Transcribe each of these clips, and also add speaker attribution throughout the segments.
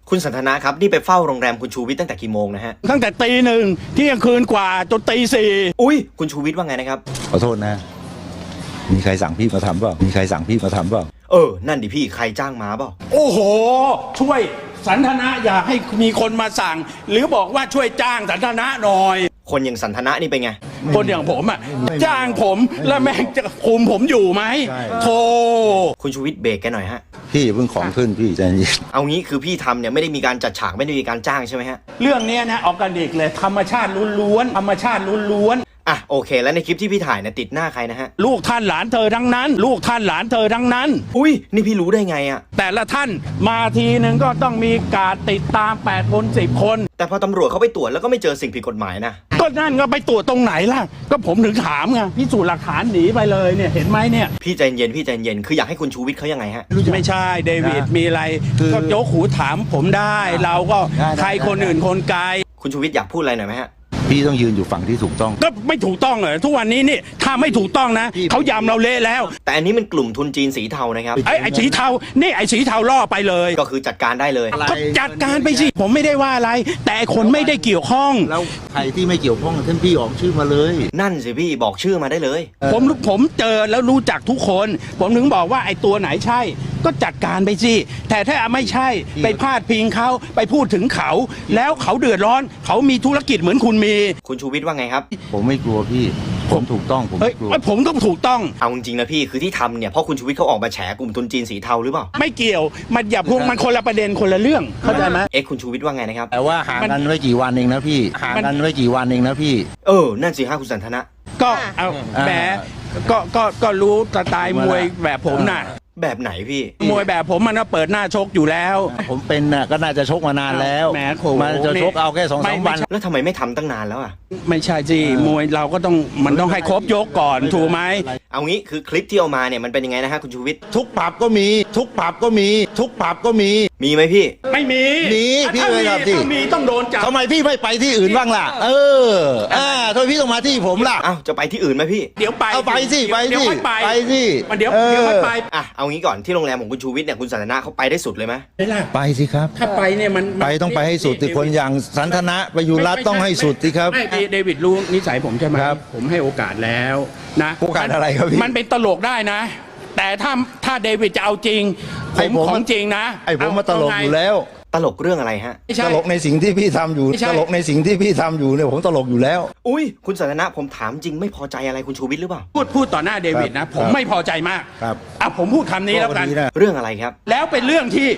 Speaker 1: คุณสันทนาครับนี่ไปเฝ้าโรงแรมคุณชูวิทย์ตั้งแต่กี่โมงนะฮะ
Speaker 2: ตั้งแต่ตี 1เที่ยงคืนกว่าจนตี 4
Speaker 1: อุ้ยคุณชูวิทย์ว่าไงนะครับ
Speaker 3: ขอโทษนะ มีใครสั่งพี่มาทำเปล่ามีใครสั่งพี่มาทำเปล่า
Speaker 1: นั่นดิพี่ใครจ้างมาเปล่า
Speaker 2: โอ้โหช่วยสันทนะอยากให้มีคนมาสั่ง หรือบอกว่าช่วยจ้างสันทนะหน่อย
Speaker 1: คนอย่างสันทนะนี่เป็นไง
Speaker 2: คนอย่างผมอ่ะจ้างผมแล้วแม่งจะคุมผมอยู่ไหมโธ่
Speaker 1: คุณชูวิทย์เบรกแกหน่อยฮะ
Speaker 3: พี่เพิ่งของขึ้นพี่ใจเย็น
Speaker 1: เอางี้คือพี่ทำเนี่ยไม่ได้มีการจัดฉากไม่ได้มีการจ้างใช่ไหมฮะ
Speaker 2: เรื่องนี้นะออร์แกนิกเลยธรรมชาติล้วนๆธรรมชาติล้วน
Speaker 1: โอเคแล้วในคลิปที่พี่ถ่ายเนี่ยติดหน้าใครนะฮะ
Speaker 2: ลูกท่านหลานเธอทั้งนั้นลูกท่านหลานเธอทั้งนั้น
Speaker 1: อุ้ยนี่พี่รู้ได้ไงอะ
Speaker 2: แต่ละท่านมาทีหนึ่งก็ต้องมีการติดตาม8 คน10 คน
Speaker 1: แต่พอตำรวจเขาไปตรวจแล้วก็ไม่เจอสิ่งผิดกฎหมายนะ
Speaker 2: ก็นั่นก็ไปตรวจตรงไหนล่ะก็ผมถึงถามไงพิสูจน์หลักฐานหนีไปเลยเนี่ยเห็นไหมเนี่ย
Speaker 1: พี่ใจเย็นพี่ใจเย็นคืออยากให้คุณชูวิทย์เขายังไงฮะ
Speaker 2: ไม่ใช่เดวิดมีอะไรก็ยกหูถามผมได้เราก็ใครคนอื่นคนไกล
Speaker 1: คุณชูวิทย์อยากพูดอะไรหน่อยไหมฮะ
Speaker 3: พี่ต้องยืนอยู่ฝั่งที่ถูกต้อง
Speaker 2: ก็ไม่ถูกต้องเหรอทุกวันนี้นี่ถ้าไม่ถูกต้องนะเขายำเราเละแล้ว
Speaker 1: แต่อันนี้มันกลุ่มทุนจีนสีเทานะครับ
Speaker 2: ไอ้สีเทานี่ไอ้สีเทาล่อไปเลย
Speaker 1: ก็คือจัดการได้เลย
Speaker 2: ก็จัดการไปสิผมไม่ได้ว่าอะไรแต่คนไม่ได้เกี่ยวข้อง
Speaker 3: แล้วใครที่ไม่เกี่ยวข้องท่านพี่ออกชื่อมาเลย
Speaker 1: นั่นสิพี่บอกชื่อมาได้เลย
Speaker 2: ผมเจอแล้วรู้จักทุกคนผมถึงบอกว่าไอ้ตัวไหนใช่ก็จัดการไปสิแต่ถ้าไม่ใช่ไปพาดพิงเขาไปพูดถึงเขาแล้วเขาเดือดร้อนเขามีธุรกิจเหมือนคุณมี
Speaker 1: คุณชูวิทย์ว่าไงครับ
Speaker 3: ผมไม่กลัวพี่ผมถูกต้องผมไม่กลัว
Speaker 2: ผมต้องถูกต้อง
Speaker 1: เอาจริงๆนะพี่คือที่ทำเนี่ยเพราะคุณชูวิทย์เขาออกมาแฉกลุ่มทุนจีนสีเทาหรือเปล่า
Speaker 2: ไม่เกี่ยวมันอย่าพวกมันคนละประเด็นคนละเรื่องเข้าใจไหม
Speaker 1: คุณชูวิทย์ว่าไงนะครับ
Speaker 3: แต่ว่าห่างกันไว้กี่วันเองนะพี่ห่างกันไว้กี่วันเองนะพี่
Speaker 1: นั่นสิฮะคุณสันทนะ
Speaker 2: ก็เอาแหมก็รู้สไตล์มวยแบบผมน่ะ
Speaker 1: แบบไหนพี่
Speaker 2: มวยแบบผมมันก็เปิดหน้าชกอยู่แล้ว
Speaker 3: ผมเป็นน่ะก็น่าจะชกมานานแล้วมันจะชกเอาแค่2-3 วัน
Speaker 1: แล้วทำไมไม่ทำตั้งนานแล้วอ่ะ
Speaker 2: ไม่ใช่สิมวยเราก็ต้องมันต้องให้ครบยกก่อนถูกไหม
Speaker 1: เอางี้คือคลิปที่เอามาเนี่ยมันเป็นยังไงนะฮะคุณชูวิทย์
Speaker 3: ทุกผับก็มีทุกผับก็มีทุกผับก็มี
Speaker 1: ไหมพี่
Speaker 2: ไม่มี
Speaker 3: พี่ไม่ทำที่
Speaker 2: มีต้องโดนจับ
Speaker 3: ทำไมพี่ไม่ไปที่อื่นบ้างล่ะทำไมพี่ต้องมาที่ผมล่ะ
Speaker 1: จะไปที่อื่นไหมพี่
Speaker 2: เดี๋ยวไป
Speaker 3: เอาไปสิไปสิไปสิ
Speaker 2: เดี๋ยวไม่ไป
Speaker 1: เอางี้ก่อนที่โรงแรมของคุณชูวิทย์เนี่ยคุณสันทนะเขาไปได้สุดเลยไหม
Speaker 3: ไปสิครับ
Speaker 2: ถ้าไปเนี่ยมัน
Speaker 3: ไปต้องไปให้สุดที่คนอย่างสันทนะประยุรัตน์ต้องให้สุดสิครับ
Speaker 2: ไม่เดวิดรู้นิสัยผมใช่ไหมผมให้โอกาสแล้วนะ
Speaker 3: โอกาสอะไรครับพี่
Speaker 2: มันเป็นตลกได้นะแต่ถ้าเดวิดจะเอาจริงผมของจริงนะ
Speaker 3: ผมมาตลกอยู่แล้ว
Speaker 1: ตลกเรื่องอะไรฮะ
Speaker 3: ตลกในสิ่งที่พี่ทำอยู่ตลกในสิ่งที่พี่ทำอยู่เนี่ยผมตลกอยู่แล้ว
Speaker 1: อุ้ยคุณสันทนะผมถามจริงไม่พอใจอะไรคุณชูวิทย์หรือเปล่า
Speaker 2: พูดต่อหน้าเดวิดนะผมไม่พอใจมาก
Speaker 3: ครับ
Speaker 2: ผมพูดคำนี้แล้วกัน
Speaker 1: เรื่องอะไรครับ
Speaker 2: แล้วเป็นเรื่องที่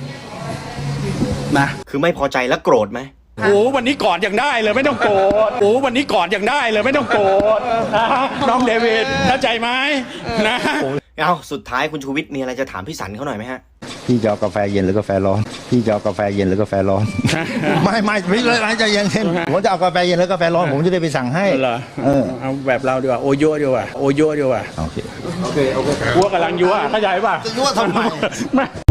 Speaker 2: นะ
Speaker 1: คือไม่พอใจแล้วโกรธไหม
Speaker 2: วันนี้กอดยังได้เลยไม่ต้องโกรธวันนี้กอดยังได้เลยไม่ต้องโกรธน้องเดวิดเข้าใจไหมนะ
Speaker 1: สุดท้ายคุณชูวิทย์มีอะไรจะถามพี่สันเขาหน่อยไหมฮะ
Speaker 3: พี่จะเอากาแฟเย็นหรือกาแฟร้อนพี่จะเอากาแฟเย็นหรือกาแฟร้อนไม่พี่เลยใจเย็นผมจะเอากาแฟเย็นหรือกาแฟร้อนผมจะได้ไปสั่งให้
Speaker 2: เอาแบบเราดีกว่าโอโย่ดีกว่าโอโย่ดีกว่า
Speaker 3: โอเค
Speaker 2: วัวกำลังยั่วเข้าใจป่ะ
Speaker 3: ยั่วทำไม